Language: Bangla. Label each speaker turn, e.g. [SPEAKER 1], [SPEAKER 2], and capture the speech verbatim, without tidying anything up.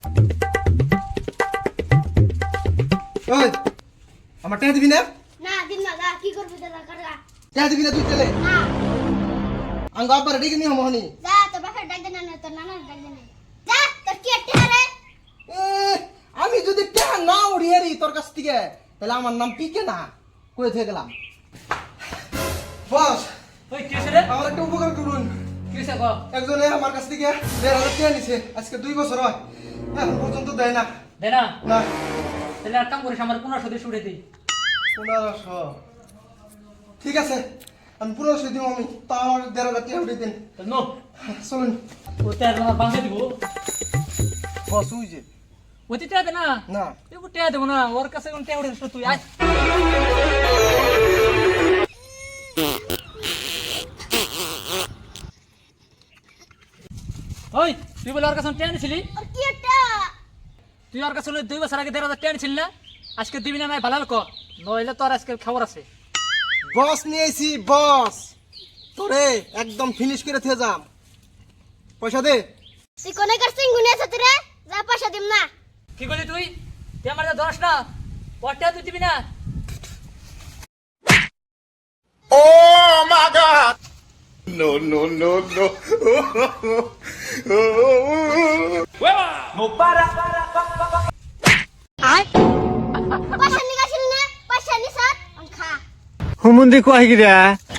[SPEAKER 1] ওই আমার টাকা দিবি না?
[SPEAKER 2] না দিন না গা কি করবি দাদা করগা
[SPEAKER 1] টাকা দিবি না তুই চলে
[SPEAKER 2] না
[SPEAKER 1] আঙ্গ আব্বার ডেকে নিয়ে মোহনি
[SPEAKER 2] যা তো বাপের ডাক দেনা না তো নানা ডাক দেনা যা তোর কি একটা রে
[SPEAKER 1] আমি যদি টাকা না উড়িয়ে রি তোর কাছ থেকে তাহলে আমার নাম পিকে না কই থেকে গেলাম বস
[SPEAKER 3] ওই কি রে?
[SPEAKER 1] আমার একটা উপকার করুন
[SPEAKER 3] কি হইছে গো?
[SPEAKER 1] একজনে আমার কাছ থেকে দেড় হাজার টাকা নিছে আজকে দুই বছর হয় এখন পর্যন্ত দেয় না
[SPEAKER 3] দে না
[SPEAKER 1] না
[SPEAKER 3] তাহলে এক কাম করিস আমার পনেরোশো দিয়ে উঠে দিই।
[SPEAKER 1] পনেরোশো ঠিক আছে আমি পনেরোশো দিব আমি তা আমার দেড় হাজার টাকা উঠিয়ে দিন
[SPEAKER 3] তো নো
[SPEAKER 1] চলুন
[SPEAKER 3] ওতে আর আমার বাঁধে দিব।
[SPEAKER 1] বস উই যে
[SPEAKER 3] ওতে টেয়া দে না
[SPEAKER 1] না
[SPEAKER 3] এগো টেয়া দেবো না ওর কাছে কোন টেয়া উঠে তুই আয়। ওই তুই বলে ওর কাছে টেয়া নিছিলি?
[SPEAKER 2] আর কি একটা
[SPEAKER 3] তুই ওর কাছে দুই বছর আগে দেড় হাজার টেয়া নিছিলি না? আজকে দিবি না নাই ভালো ক নইলে তোর আজকে খবর আছে।
[SPEAKER 1] বস নিয়েছি বস তোরে একদম ফিনিশ করে থে যাম পয়সা দে
[SPEAKER 2] তুই কোনে করছিস গুনে আছে রে যা পয়সা দিম না
[SPEAKER 3] কি করলি তুই? তুই আমার ধরস না ওর টেয়া তুই দিবি না?
[SPEAKER 4] Oh my God! No, no, no, no.
[SPEAKER 2] আয় পয়সা নিগাছিল না পয়সা নিছ খা
[SPEAKER 5] হুমুন্দি কয় গিরা